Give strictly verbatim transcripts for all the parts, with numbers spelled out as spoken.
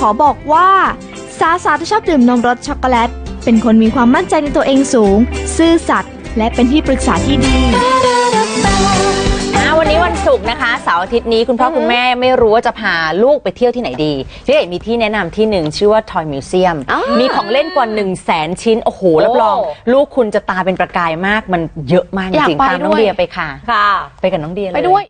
อบอกว่าสาวๆที่ชอบดื่มนมรสช็อกโกแลตเป็นคนมีความมั่นใจในตัวเองสูงซื่อสัตย์และเป็นที่ปรึกษาที่ดีวันนี้วันศุกร์นะคะเสาร์อาทิตย์นี้คุณพ่อคุณแม่ไม่รู้ว่าจะพาลูกไปเที่ยวที่ไหนดีพี่เอ๋มีที่แนะนำที่หนึ่งชื่อว่า Toy Museum มีของเล่นกว่าหนึ่งแสนชิ้นโอ้โหรับรองลูกคุณจะตาเป็นประกายมากมันเยอะมากจริงๆตามน้องเดียไปค่ะค่ะไปกับน้องเดียเลยไปด้วย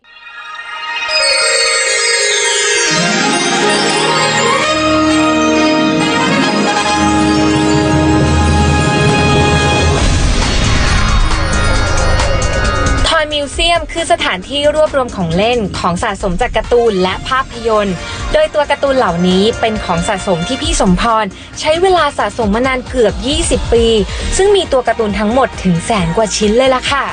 มิวเซียมคือสถานที่รวบรวมของเล่นของสะสมจากการ์ตูนและภาพยนตร์โดยตัวการ์ตูนเหล่านี้เป็นของสะสมที่พี่สมพรใช้เวลาสะสมมานานเกือบยี่สิบปีซึ่งมีตัวการ์ตูนทั้งหมดถึงแสนกว่าชิ้นเลยล่ะค่ะ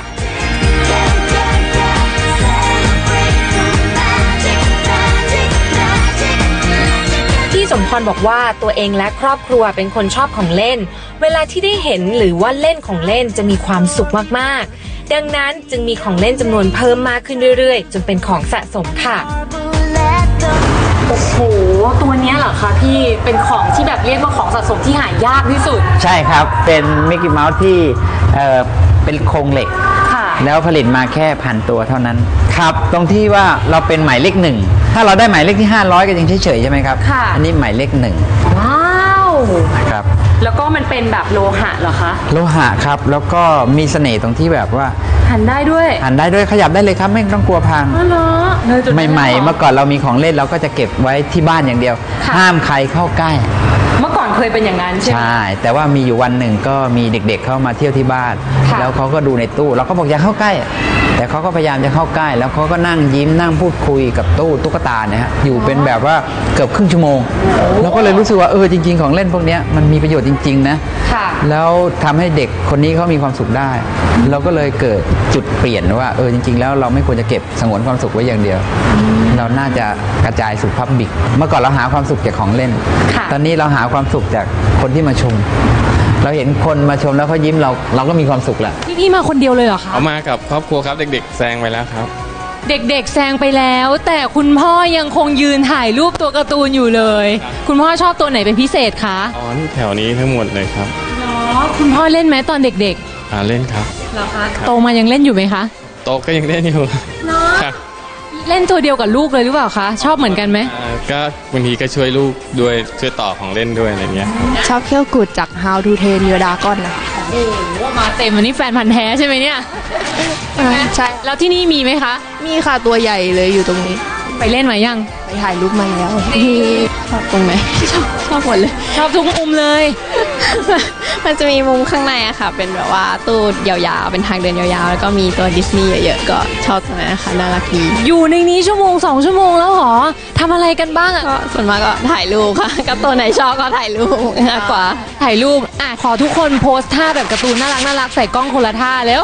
พี่สมพรบอกว่าตัวเองและครอบครัวเป็นคนชอบของเล่นเวลาที่ได้เห็นหรือว่าเล่นของเล่นจะมีความสุขมากๆดังนั้นจึงมีของเล่นจำนวนเพิ่มมากขึ้นเรื่อยๆจนเป็นของสะสมค่ะโอ้โหตัวนี้เหรอคะพี่เป็นของที่แบบเรียกว่าของสะสมที่หายากที่สุดใช่ครับเป็นมิกกี้เมาส์ที่เอ่อเป็นโครงเหล็กแล้วผลิตมาแค่พันตัวเท่านั้นครับตรงที่ว่าเราเป็นหมายเลขหนึ่งถ้าเราได้หมายเลขที่ห้าร้อยก็ยังเฉยๆใช่ไหมครับอันนี้หมายเลขหนึ่งว้าวนะครับแล้วก็มันเป็นแบบโลหะเหรอคะโลหะครับแล้วก็มีเสน่ห์ตรงที่แบบว่าหันได้ด้วยหันได้ด้วยขยับได้เลยครับไม่ต้องกลัวพังอ๋อเหรอใหม่ๆเมื่อก่อนเรามีของเล่นเราก็จะเก็บไว้ที่บ้านอย่างเดียวห้ามใครเข้าใกล้เมื่อก่อนเคยเป็นอย่างนั้นใช่ไหมใช่แต่ว่ามีอยู่วันหนึ่งก็มีเด็กๆเข้ามาเที่ยวที่บ้านแล้วเขาก็ดูในตู้เราก็บอกอย่าเข้าใกล้แต่เขาก็พยายามจะเข้าใกล้แล้วเขาก็นั่งยิ้มนั่งพูดคุยกับตู้ตุ๊กตาเนี่ยฮะอยู่เป็นแบบว่าเกือบครึ่งชั่วโมงเราก็เลยรู้สึกว่าเออจริงๆของเล่นพวกนี้มันมีประโยชน์จริงๆนะแล้วทำให้เด็กคนนี้เขามีความสุขได้เราก็เลยเกิดจุดเปลี่ยนว่าเออจริงๆแล้วเราไม่ควรจะเก็บสงวนความสุขไว้อย่างเดียวเราน่าจะกระจายสู่พับบิกเมื่อก่อนเราหาความสุขจากของเล่นตอนนี้เราหาความสุขจากคนที่มาชมเราเห็นคนมาชมแล้วเขายิ้มเราเราก็มีความสุขแล้วพี่พี่มาคนเดียวเลยเหรอคะเอามากับครอบครัวครับเด็กๆแซงไปแล้วครับเด็กๆแซงไปแล้วแต่คุณพ่อยังคงยืนถ่ายรูปตัวการ์ตูนอยู่เลยคุณพ่อชอบตัวไหนเป็นพิเศษคะอ๋อนี่แถวนี้ทั้งหมดเลยครับเนาะคุณพ่อเล่นไหมตอนเด็กๆอ่าเล่นครับเหรอคะโตมายังเล่นอยู่ไหมคะโตก็ยังเล่นอยู่เนาะเล่นตัวเดียวกับลูกเลยหรือเปล่าคะชอบเหมือนกันไหมก็บางทีก็ช่วยลูกด้วยช่วยต่อของเล่นด้วยอะไรเงี้ยชอบเขี้ยวกุดจาก How to Train Your Dragon นะคะโอ้โหมาเต็มวันนี้แฟนพันธุ์แท้ใช่ไหมเนี่ยใช่แล้วที่นี่มีไหมคะมีค่ะตัวใหญ่เลยอยู่ตรงนี้ไปเล่นมายังไปถ่ายรูปมาแล้วมีชอบตรงไหนชอบชอบหมดเลยชอบทุกมุมเลยมันจะมีมุมข้างในอะค่ะเป็นแบบว่าตู้ยาวๆเป็นทางเดินยาวๆแล้วก็มีตัวดิสนีย์เยอะๆก็ชอบตรงนั้นนะคะน่ารักดีอยู่ในนี้ชั่วโมงสองชั่วโมงแล้วหรอทำอะไรกันบ้างอะก็ส่วนมากก็ถ่ายรูปค่ะก็ตัวไหนชอบก็ถ่ายรูปมากกว่าถ่ายรูปอ่ะขอทุกคนโพสท่าแบบการ์ตูนน่ารักน่ารักใส่กล้องคนละท่าแล้ว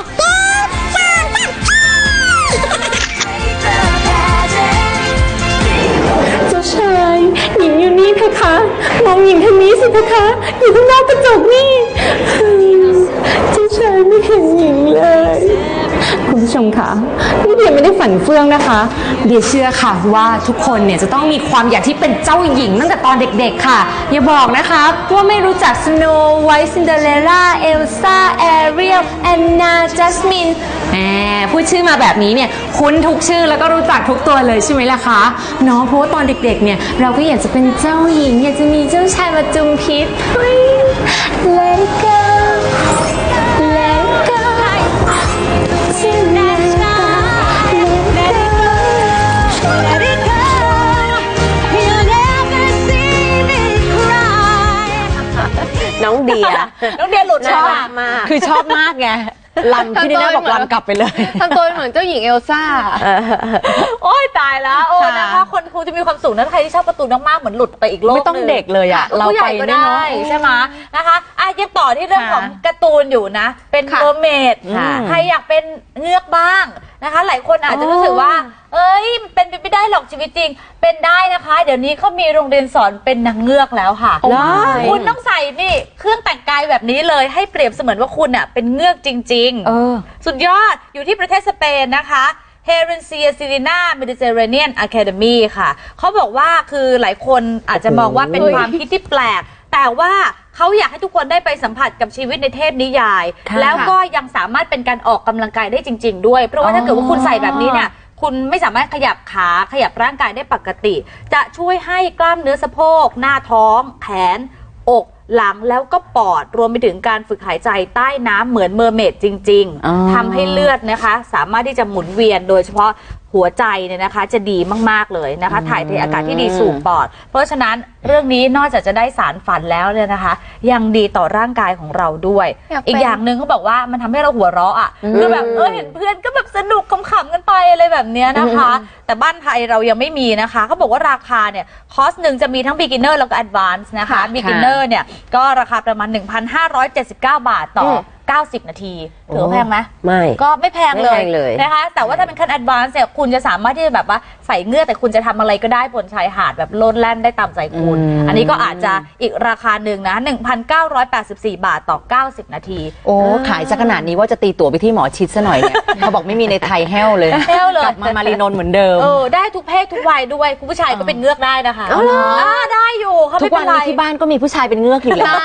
ชายหญิงอยู่นี่เพคะมองหญิงทางนี้สิเพคะอยู่ข้างนอกกระจกนี่เจ้าชายไม่เห็นหญิงเลยคุณผู้ชมคะนี่เดียไม่ได้ฝันเฟื่องนะคะเดียเชื่อค่ะว่าทุกคนเนี่ยจะต้องมีความอยากที่เป็นเจ้าหญิงตั้งแต่ตอนเด็กๆค่ะอย่าบอกนะคะว่าไม่รู้จักสโนว์ไวท์ซินเดอเรลล่าเอลซ่าแอเรียลแอนนาจัสมินแหมพูดชื่อมาแบบนี้เนี่ยคุ้นทุกชื่อแล้วก็รู้จักทุกตัวเลยใช่ไหมล่ะคะเนาะเพราะว่าตอนเด็กๆเนี่ยเราก็อยากจะเป็นเจ้าหญิงอยากจะมีเจ้าชายมาจุมพิษเลโก้เลโก้น้องเดียน้องเดียหลุดชอบมากคือชอบมากไงลำที่นี่น่าบอกลำกลับไปเลยทำตัวเหมือนเจ้าหญิงเอลซ่าโอ้ยตายแล้วโอ้นะคะคนครูจะมีความสุขนะใครที่ชอบการ์ตูนมากๆเหมือนหลุดไปอีกโลกนึงไม่ต้องเด็กเลยอ่ะเราไปก็ได้ใช่ไหมนะคะอ่ะยังต่อที่เรื่องของการ์ตูนอยู่นะเป็นเมอร์เมดใครอยากเป็นเงือกบ้างนะคะหลายคนอาจจะรู้สึกว่าเอ้ยเป็นไปไม่ได้หรอกชีวิตจริงเป็นได้นะคะเดี๋ยวนี้เขามีโรงเรียนสอนเป็นนางเงือกแล้วค่ะคุณต้องใส่นี่เครื่องแต่งกายแบบนี้เลยให้เปรียบเสมือนว่าคุณอ่ะเป็นเงือกจริงๆสุดยอดอยู่ที่ประเทศสเปนนะคะเฮเรนเซียซิลิน่าเมดิเตอร์เรเนียนอะคาเดมีค่ะเขาบอกว่าคือหลายคนอาจจะมองว่าเป็นความคิดที่แปลกแต่ว่าเขาอยากให้ทุกคนได้ไปสัมผัสกับชีวิตในเทพนิยายแล้วก็ยังสามารถเป็นการออกกำลังกายได้จริงๆด้วยเพราะว่าถ้าเกิดว่าคุณใส่แบบนี้เนี่ยคุณไม่สามารถขยับขาขยับร่างกายได้ปกติจะช่วยให้กล้ามเนื้อสะโพกหน้าท้องแขนอกหลังแล้วก็ปอดรวมไปถึงการฝึกหายใจใต้น้ำเหมือนเมอร์เมดจริงๆทำให้เลือดนะคะสามารถที่จะหมุนเวียนโดยเฉพาะหัวใจเนี่ยนะคะจะดีมากๆเลยนะคะถ่ายเทอากาศที่ดีสู่ปอดเพราะฉะนั้นเรื่องนี้นอกจากจะได้สารฝันแล้วเนี่ยนะคะยังดีต่อร่างกายของเราด้วย อ, อีกอย่างหนึ่งเขาบอกว่ามันทำให้เราหัวเราะอ่ะคือแบบเออเห็นเพื่อนก็แบบสนุกขำๆกันไปอะไรแบบเนี้ยนะคะแต่บ้านไทยเรายังไม่มีนะคะเขาบอกว่าราคาเนี่ยคอสหนึ่งจะมีทั้ง beginner แล้วก็ advance นะคะ beginner เนี่ยก็ราคาประมาณ หนึ่งพันห้าร้อยเจ็ดสิบเก้า บาทต่อเก้าสิบนาทีถือว่าแพงไหมไม่ก็ไม่แพงเลยเลยนะคะแต่ว่าถ้าเป็นขั้น advance เนี่ยคุณจะสามารถที่จะแบบว่าใส่เงื่อแต่คุณจะทำอะไรก็ได้บนชายหาดแบบโลดแล่นได้ตามใจคุณอันนี้ก็อาจจะอีกราคาหนึ่งนะ หนึ่งพันเก้าร้อยแปดสิบสี่ บาทต่อเก้าสิบนาทีโอ้ขายซะขนาดนี้ว่าจะตีตั๋วไปที่หมอชิดซะหน่อยเนี่ยเขาบอกไม่มีในไทยแห้วเลยแห้วเลยกลับมามารีนนท์เหมือนเดิมเออได้ทุกเพศทุกวัยด้วยคุณผู้ชายก็เป็นเงือกได้นะคะอ๋อได้อยู่เขาทุกวันนี้ที่บ้านก็มีผู้ชายเป็นเงือกอยู่แล้ว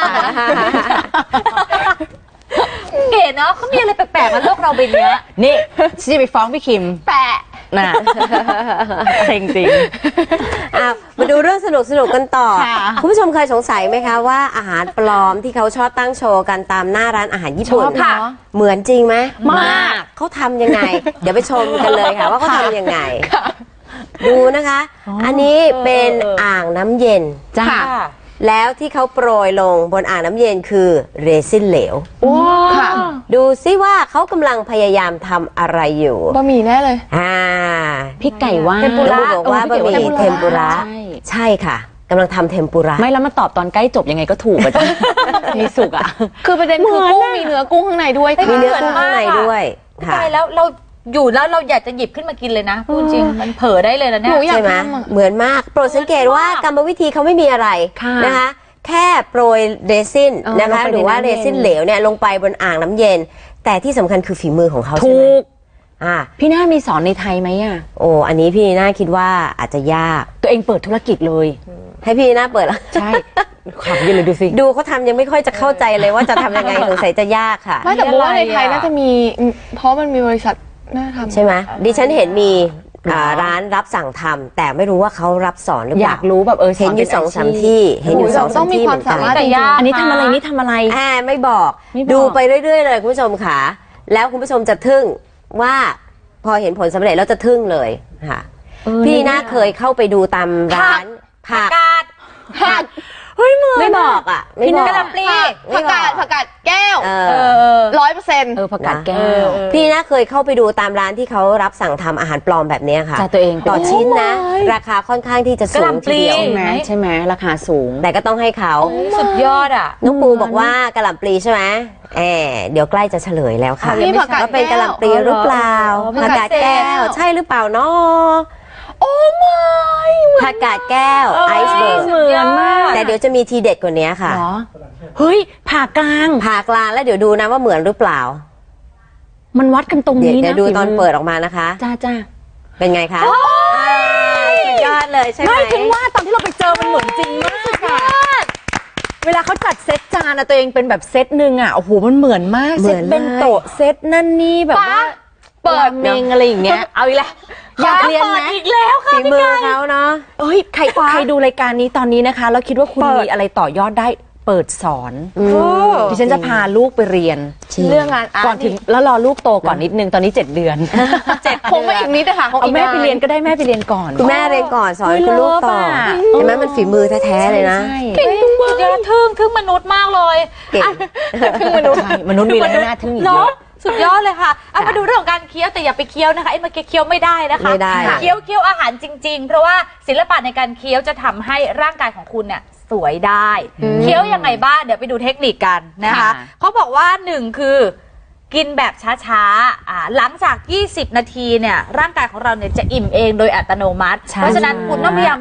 เก๋เนาะเขามีอะไรแปลกๆมาโลกเราใบนี้นี่ฉันจะไปฟ้องพี่คิมแปะน่ะเซ็งจริงอ่ะมาดูเรื่องสนุกสนุกกันต่อคุณผู้ชมเคยสงสัยไหมคะว่าอาหารปลอมที่เขาชอบตั้งโชว์กันตามหน้าร้านอาหารญี่ปุ่นเหมือนจริงไหมมากเขาทำยังไงเดี๋ยวไปชมกันเลยค่ะว่าเขาทำยังไงดูนะคะอันนี้เป็นอ่างน้ำเย็นจ้าแล้วที่เขาโปรยลงบนอ่างน้ำเย็นคือเรซินเหลวค่ะดูซิว่าเขากำลังพยายามทำอะไรอยู่บะหมี่แน่เลยอ่าพี่ไก่ว่าเทมปุระบอกว่าบะหมี่เทมปุระใช่ค่ะกำลังทำเทมปุระไม่แล้วมาตอบตอนใกล้จบยังไงก็ถูกอ่ะจ้ะมีสุกอ่ะคือประเด็นคือกุ้งมีเนื้อกุ้งข้างในด้วยมีเนื้อกุ้งข้างในด้วยใช่แล้วเราอยู่แล้วเราอยากจะหยิบขึ้นมากินเลยนะพูดจริงมันเผลอได้เลยนะเนี่ยใช่ไหมเหมือนมากโปรดสังเกตว่ากรรมวิธีเขาไม่มีอะไรนะคะแค่โปรยเรซินนะคะหรือว่าเรซินเหลวเนี่ยลงไปบนอ่างน้ำเย็นแต่ที่สำคัญคือฝีมือของเขาใช่ไหมถูกอ่าพี่น่ามีสอนในไทยไหมอ่ะโอ้อันนี้พี่น่าคิดว่าอาจจะยากตัวเองเปิดธุรกิจเลยให้พี่น่าเปิดแล้วใช่ขับยืนเลยดูสิดูเขาทำยังไม่ค่อยจะเข้าใจเลยว่าจะทำยังไงสงสัยจะยากค่ะไม่แต่บอกว่าในไทยน่าจะมีเพราะมันมีบริษัทน่าทำใช่ไหมดิฉันเห็นมีร้านรับสั่งทำแต่ไม่รู้ว่าเขารับสอนหรือเปล่าอยากรู้แบบเออเห็นอยู่สองสามที่เห็นอยู่สองสามที่เหมือนกันอันนี้ทำอะไรนี่ทำอะไรแอบไม่บอกดูไปเรื่อยๆเลยคุณผู้ชมค่ะแล้วคุณผู้ชมจะทึ่งว่าพอเห็นผลสำเร็จแล้วจะทึ่งเลยค่ะพี่น่าเคยเข้าไปดูตามร้านผักกาดผักเฮ้ยมือไม่บอกอ่ะพี่กระลำปลีผักกาดผักกาดแก้วร้อยเปอร์เซ็นต์เออผักกาดแก้วพี่น่าเคยเข้าไปดูตามร้านที่เขารับสั่งทำอาหารปลอมแบบนี้ค่ะตัวเองต่อชิ้นนะราคาค่อนข้างที่จะสูงทีเดียวใช่ไหมใช่ไหมราคาสูงแต่ก็ต้องให้เขาสุดยอดอ่ะน้องปูบอกว่ากระหล่ำปลีใช่ไหมแอบเดี๋ยวใกล้จะเฉลยแล้วค่ะว่าเป็นกระหล่ำปลีหรือเปล่าผักกาดแก้วใช่หรือเปล่าเนาะโอ้ไม่ผักกาดแก้วไอซ์เบิร์กเหมือนมากแต่เดี๋ยวจะมีทีเด็ดกว่านี้ค่ะเฮ้ยผ่ากลางผ่ากลางแล้วเดี๋ยวดูนะว่าเหมือนหรือเปล่ามันวัดกันตรงนี้นะเดี๋ยวดูตอนเปิดออกมานะคะจ้าจ้าเป็นไงคะยอดเลยใช่ไหมไม่ถึงว่าตอนที่เราไปเจอมันเหมือนจริงมากเวลาเขาจัดเซตจานนะตัวเองเป็นแบบเซตหนึ่งอ่ะโอ้โหมันเหมือนมากเซตเป็นโต๊ะเซตนั่นนี่แบบว่าเปิดเมงอะไรอย่างเงี้ยเอาอีกแล้วอยากเรียนไหมอีกแล้วค่ะฝีมือเขาเนาะเอ้ยใครใครดูรายการนี้ตอนนี้นะคะแล้วคิดว่าคุณมีอะไรต่อยอดได้เปิดสอนดิฉันจะพาลูกไปเรียนเรื่องงานก่อนถึงแล้วรอลูกโตก่อนนิดนึงตอนนี้เจ็ดเดือนเจ็ดคงไม่อีกนิดนะคะเอาแม่ไปเรียนก็ได้แม่ไปเรียนก่อนคุณแม่เรียนก่อนสอนคุณลูกต่อเห็นไหมมันฝีมือแท้ๆเลยนะเก่งสุดยอดทึ่งทึ่งมนุษย์มากเลยเก่งทึ่งมนุษย์มนุษย์มีอะไรน่าทึ่งอีกเยอะสุดยอดเลยค่ะเอามาดูเรื่องของการเคี้ยวแต่อย่าไปเคี้ยวนะคะไอ้เมื่อกี้เคี้ยวไม่ได้นะคะไม่ได้เคี้ยวเคี้ยวอาหารจริงๆเพราะว่าศิลปะในการเคี้ยวจะทำให้ร่างกายของคุณเนี่ยสวยได้เคี้ยวยังไงบ้างเดี๋ยวไปดูเทคนิคกันนะคะเขาบอกว่าหนึ่งคือกินแบบช้าๆอ่าหลังจากยี่สิบนาทีเนี่ยร่างกายของเราเนี่ยจะอิ่มเองโดยอัตโนมัติเพราะฉะนั้นคุณต้องพยายาม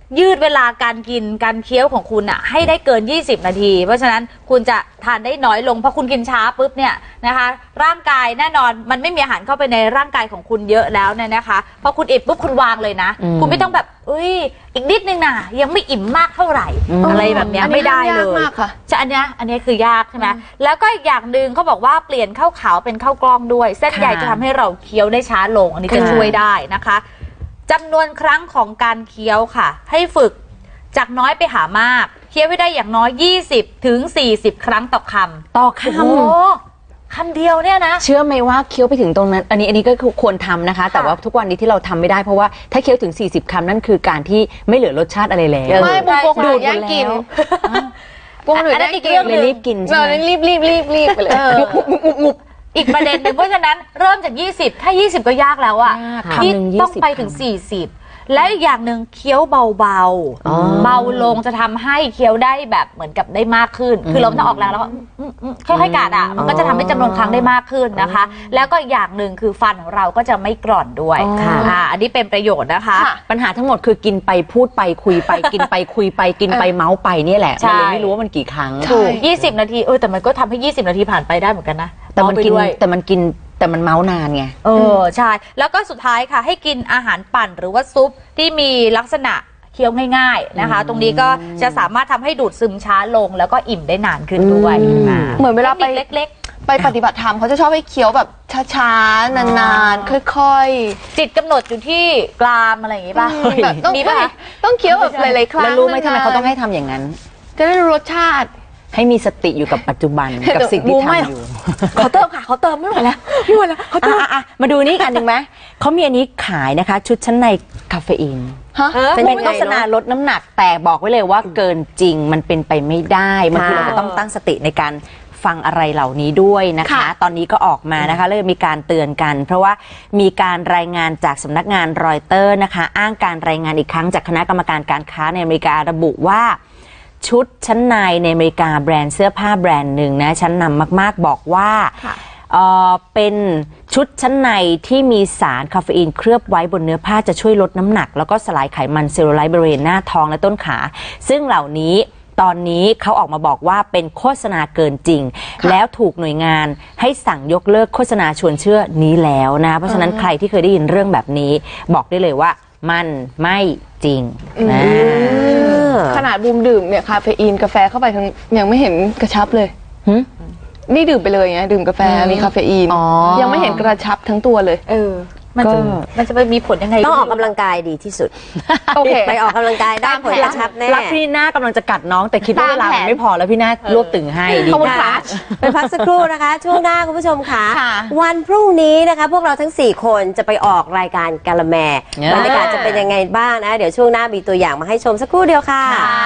ยืดเวลาการกินการเคี้ยวของคุณอะให้ได้เกินยี่สิบนาทีเพราะฉะนั้นคุณจะทานได้น้อยลงเพราะคุณกินช้าปุ๊บเนี่ยนะคะร่างกายแน่นอนมันไม่มีอาหารเข้าไปในร่างกายของคุณเยอะแล้วเนี่ยนะคะพอคุณอิ่มปุ๊บคุณวางเลยนะคุณไม่ต้องแบบอุ้ยอีกนิดนึงนะยังไม่อิ่มมากเท่าไหร่อะไรแบบนี้ไม่ได้เลยจะอันเนี้ยอันนี้คือยากใช่ไหมแล้วก็อีกอย่างหนึ่งเขาบอกว่าเปลี่ยนข้าวขาวเป็นข้าวกล้องด้วยเส้นใยจะทำให้เราเคี้ยวได้ช้าลงอันนี้จะช่วยได้นะคะจำนวนครั้งของการเคี้ยวค่ะให้ฝึกจากน้อยไปหามากเคี้ยวให้ได้อย่างน้อยยี่สิบถึงสี่สิบครั้งต่อคำต่อคำโอ้คำเดียวเนี่ยนะเชื่อไหมว่าเคี้ยวไปถึงตรงนั้นอันนี้อันนี้ก็ควรทำนะคะแต่ว่าทุกวันนี้ที่เราทำไม่ได้เพราะว่าถ้าเคี้ยวถึงสี่สิบคำนั่นคือการที่ไม่เหลือรสชาติอะไรแล้วไม่บุกดูดแย่งกินบุกดูดแย่งกินเลยรีบกินใช่ไหมรีบรีบรีบรีบไปเลยอีกประเด็นหนึ่งเพราะฉะนั้นเริ่มจากยี่สิบถ้ายี่สิบก็ยากแล้วอ่ะที่ต้องไปถึงสี่สิบและอีกอย่างหนึ่งเคี้ยวเบาๆเบาลงจะทำให้เคี้ยวได้แบบเหมือนกับได้มากขึ้นคือเราไม่ต้องออกแรงแล้วก็ค่อยๆกัดอ่ะมันก็จะทำให้จำนวนครั้งได้มากขึ้นนะคะแล้วก็อีกอย่างหนึ่งคือฟันของเราก็จะไม่กร่อนด้วยค่ะอันนี้เป็นประโยชน์นะคะปัญหาทั้งหมดคือกินไปพูดไปคุยไปกินไปคุยไปกินไปเมาส์ไปนี่แหละมันเลยไม่รู้ว่ามันกี่ครั้งถูกยี่สิบนาทีเออแต่มันก็ทำให้ยี่สิบนาทีผ่านไปได้เหมือนกันนะแต่มันกินแต่มันกินแต่มันเมาส์นานไงเออใช่แล้วก็สุดท้ายค่ะให้กินอาหารปั่นหรือว่าซุปที่มีลักษณะเคี้ยวง่ายๆนะคะตรงนี้ก็จะสามารถทำให้ดูดซึมช้าลงแล้วก็อิ่มได้นานขึ้นด้วยเหมือนเวลาไปเล็กๆไปปฏิบัติธรรมเขาจะชอบให้เคี้ยวแบบช้าๆนานๆค่อยๆจิตกำหนดอยู่ที่กรามอะไรอย่างงี้ป่ะแบบต้องมีป่ะต้องเคี้ยวแบบหลายๆครั้งแล้วรู้ไหมทำไมเขาต้องให้ทำอย่างนั้นจะได้รู้รสชาติให้มีสติอยู่กับปัจจุบันกับสิ่งที่ทำอยู่เขาเติมค่ะเขาเติมไม่ไหวแล้วไม่ไหวแล้วเขาเติมมาดูนี่อันหนึ่งไหมเขามีอันนี้ขายนะคะชุดชั้นในคาเฟอีนเป็นโฆษณาลดน้ำหนักแต่บอกไว้เลยว่าเกินจริงมันเป็นไปไม่ได้บางทีเราก็ต้องตั้งสติในการฟังอะไรเหล่านี้ด้วยนะคะตอนนี้ก็ออกมานะคะเลยมีการเตือนกันเพราะว่ามีการรายงานจากสำนักงานรอยเตอร์นะคะอ้างการรายงานอีกครั้งจากคณะกรรมการการค้าในอเมริการะบุว่าชุดชั้นในในอเมริกาแบรนด์เสื้อผ้าแบรนด์หนึ่งนะชั้นนำมากๆบอกว่าเอ่อเป็นชุดชั้นในที่มีสารคาเฟอีนเคลือบไว้บนเนื้อผ้าจะช่วยลดน้ำหนักแล้วก็สลายไขมันเซลลูไลท์บริเวณหน้าท้องและต้นขาซึ่งเหล่านี้ตอนนี้เขาออกมาบอกว่าเป็นโฆษณาเกินจริงแล้วถูกหน่วยงานให้สั่งยกเลิกโฆษณาชวนเชื่อนี้แล้วนะเพราะฉะนั้นใครที่เคยได้ยินเรื่องแบบนี้บอกได้เลยว่ามันไม่จริงนะขนาดบูมดื่มเนี่ยคาเฟอีนกาแฟเข้าไปยังไม่เห็นกระชับเลยนี่ดื่มไปเลยไงดื่มกาแฟมีคาเฟอีนยังไม่เห็นกระชับทั้งตัวเลยเออมันจะมันจะไปมีผลยังไงต้องออกกำลังกายดีที่สุดโอเคไปออกกำลังกายได้ผลกระชับแน่รักพี่หน้ากำลังจะกัดน้องแต่คิดว่าเวลาไม่พอแล้วพี่หน้ารวบตึงให้ดีค่ะไปพักสักครู่นะคะช่วงหน้าคุณผู้ชมค่ะวันพรุ่งนี้นะคะพวกเราทั้งสี่คนจะไปออกรายการกาละแมบรรยากาศจะเป็นยังไงบ้างนะเดี๋ยวช่วงหน้ามีตัวอย่างมาให้ชมสักครู่เดียวค่ะ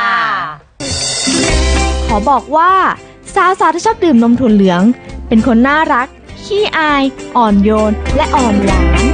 ขอบอกว่าสาวๆที่ชอบดื่มนมถั่วเหลืองเป็นคนน่ารักขี้อายอ่อนโยนและอ่อนหวาน